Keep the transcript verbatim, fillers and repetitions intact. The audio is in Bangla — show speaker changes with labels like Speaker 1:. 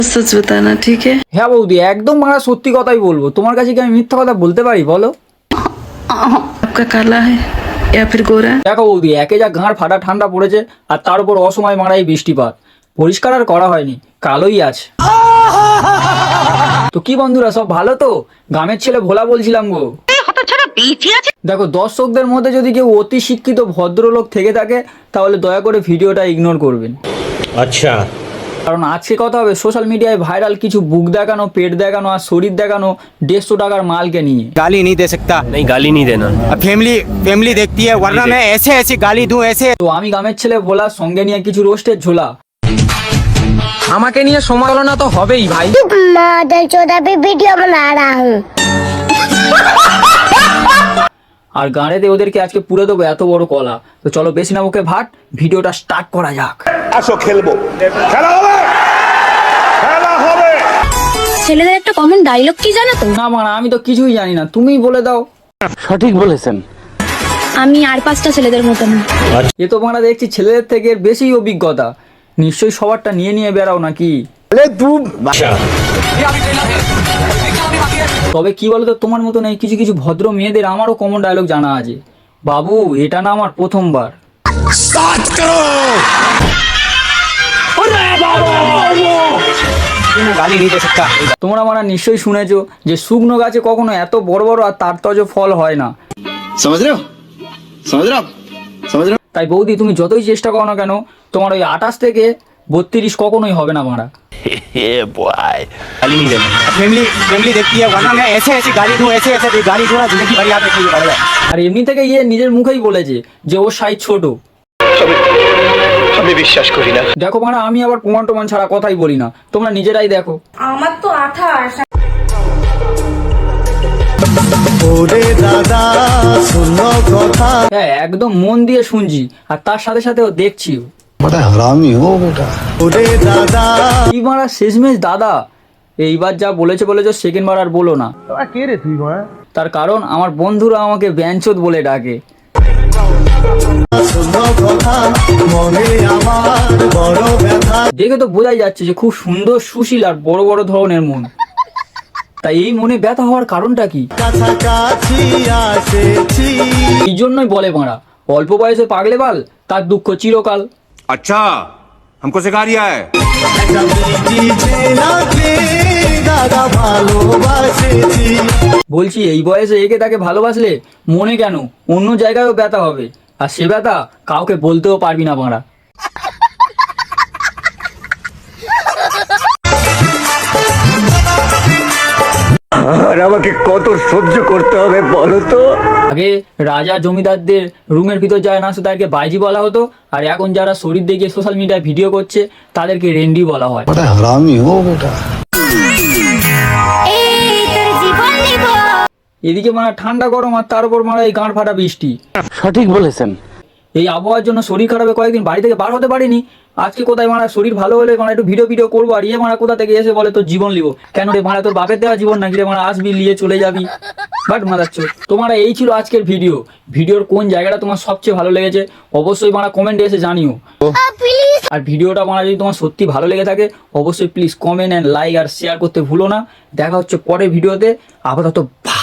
Speaker 1: सच बताना ठीक है।
Speaker 2: হ্যাঁ বৌদি, একদম মারা সত্যি কথাই বলবো। তোমার কাছে কি আমি মিথ্যা কথা বলতে পারি বলো?
Speaker 1: आपका काला है या फिर गोरा?
Speaker 2: দেখো বৌদি, একে যা ঘাড় ফাটা ঠান্ডা পড়েছে, আর তার উপর অসময় মারাই বৃষ্টিপাত, পরিষ্কার আর করা হয়নি, কালোই আছে। তো কি বন্ধুরা, সব ভালো তো? গ্রামের ছেলে ভোলা বলছিলাম গো। দেখো, দর্শকদের মধ্যে যদি কেউ অতি শিক্ষিত ভদ্রলোক থেকে থাকে তাহলে দয়া করে ভিডিওটা ইগনোর করবেন।
Speaker 3: আচ্ছা।
Speaker 2: কারণ আজকে কথা হবে সোশ্যাল মিডিয়ায় ভাইরাল কিছু বুক দেখানো, পেট দেখানো আর শরীর দেখানো দেড়শো টাকার মালকে নিয়ে।
Speaker 4: गाली नहीं दे सकता।
Speaker 3: नहीं, गाली नहीं देना।
Speaker 4: अब फैमिली फैमिली देखती है, वरना मैं ऐसे ऐसी गाली दूं ऐसे।
Speaker 2: তো আমি গ্রামের ছেলে ভোলা, সঙ্গে নিয়ে কিছু রোস্টের ঝোলা।
Speaker 5: আমাকে নিয়ে সমালোচনা তো হবেই ভাই।
Speaker 6: मॉडल चौदह पे वीडियो बना रहा हूँ।
Speaker 2: আর গাঁড়েতে ওদেরকে আজকে পুরো দেবো এত বড় কলা। তো চলো বেশি না মুখে ভাট, ভিডিওটা স্টার্ট করা যাক।
Speaker 7: আসো খেলবো, খেলা হবে, খেলা হবে।
Speaker 6: ছেলেদের একটা কমন ডায়লগ কি জানো তো?
Speaker 2: না মানে আমি তো কিছুই জানি না, তুমিই বলে দাও।
Speaker 4: সঠিক বলেছেন।
Speaker 6: আমি আর পাঁচটা ছেলেদের মতো না।
Speaker 2: এ তো আমরা দেখছি ছেলেদের থেকে এর বেশি অভিজ্ঞতা, নিশ্চয়ই সবারটা নিয়ে নিয়ে বেড়াও নাকি?
Speaker 3: अच्छा।
Speaker 2: তবে কি বলতো, তোমার মতো নেই কিছু কিছু ভদ্র মেয়েদের আমারও কমন ডায়লগ জানা আছে। বাবু, এটা না আমার প্রথমবার।
Speaker 4: गाली नहीं दे सकता।
Speaker 2: তোমরা আমরা নিশ্চয়ই শুনেছো যে শুকনো গাছে কখনো এত বড় বড় আর তার তজ ফল হয় না।
Speaker 8: समझ रहे हो समझ रहे हो आप समझ रहे हो।
Speaker 2: তাই বৌদি, তুমি যতই চেষ্টা করো না কেন, তোমার ওই আঠাশ থেকে বত্রিশ কখনোই হবে না মারা।
Speaker 3: गाली नहीं देना।
Speaker 4: फैमिली फैमिली देखती है, वरना मैं ऐसे ऐसी गाली दूं ऐसे ऐसे गाली दूं ना, जिंदगी भर याद रखेगी। बढ़ जाए।
Speaker 2: আর এমনি থেকে ইয়ে নিজের মুখেই বলেছে যে ওর সাইজ ছোট।
Speaker 3: আমি বিশ্বাস করি না।
Speaker 2: দেখো মারা, আমি আবার প্রমাণ টমান ছাড়া কথাই বলি না, তোমরা নিজেরাই দেখো।
Speaker 9: আমার তো আঠাশ।
Speaker 2: হ্যাঁ, একদম মন দিয়ে শুনছি আর তার সাথে সাথেও দেখছিও। কি মারা শেষমেশ দাদা, এইবার যা বলেছে বলেছো, সেকেন্ড বার আর বলো না। তার কারণ আমার বন্ধুরা আমাকে ব্যাঞ্চোদ বলে ডাকে। দেখে তো বোঝাই যাচ্ছে যে খুব সুন্দর, সুশীল আর বড় বড় ধরনের মন। তাই এই মনে ব্যথা হওয়ার কারণটা কি? এই জন্যই বলে মারা, অল্প বয়সে পাগলে বাল, তার দুঃখ চিরকাল।
Speaker 7: अच्छा हमको सिखा रिया है।
Speaker 2: বলছি, এই বয়সে একে তাকে ভালোবাসলে মনে কেন অন্য জায়গায়ও ব্যথা হবে, আর সে ব্যথা কাউকে বলতেও পারবি না মারা।
Speaker 3: আর আমাকে কত সহ্য করতে হবে বলো তো?
Speaker 2: আগে রাজা জমিদারদের রুমের ভিতর যায় না, তাদেরকে বাইজি বলা হতো, আর এখন যারা শরীর দেখিয়ে সোশ্যাল মিডিয়ায় ভিডিও করছে তাদেরকে রেন্ডি বলা হয়। এদিকে মারা ঠান্ডা গরম, আর তার উপর মারা এই গাঁড় ফাটা বৃষ্টি।
Speaker 4: সঠিক বলেছেন।
Speaker 2: এই আবহাওয়ার জন্য শরীর খারাপে কয়েকদিন বাড়ি থেকে বার হতে পারিনি। আজকে কোথায় মারা শরীর ভালো হলে মানে একটু ভিডিও ভিডিও করবো, আর ইয়ে মারা কোথা থেকে এসে বলে তোর জীবন লিবো। কেন রে মারা, তোর বাপের দেওয়া জীবন নাকি রে মারা, আসবি নিয়ে চলে যাবি। বাট মারাচ্ছ তোমরা। এই ছিল আজকের ভিডিও। ভিডিওর কোন জায়গাটা তোমার সবচেয়ে ভালো লেগেছে অবশ্যই মারা কমেন্টে এসে জানিও। আর ভিডিওটা মারা যদি তোমার সত্যি ভালো লেগে থাকে অবশ্যই প্লিজ কমেন্ট অ্যান্ড লাইক আর শেয়ার করতে ভুলো না। দেখা হচ্ছে পরের ভিডিওতে। আপাতত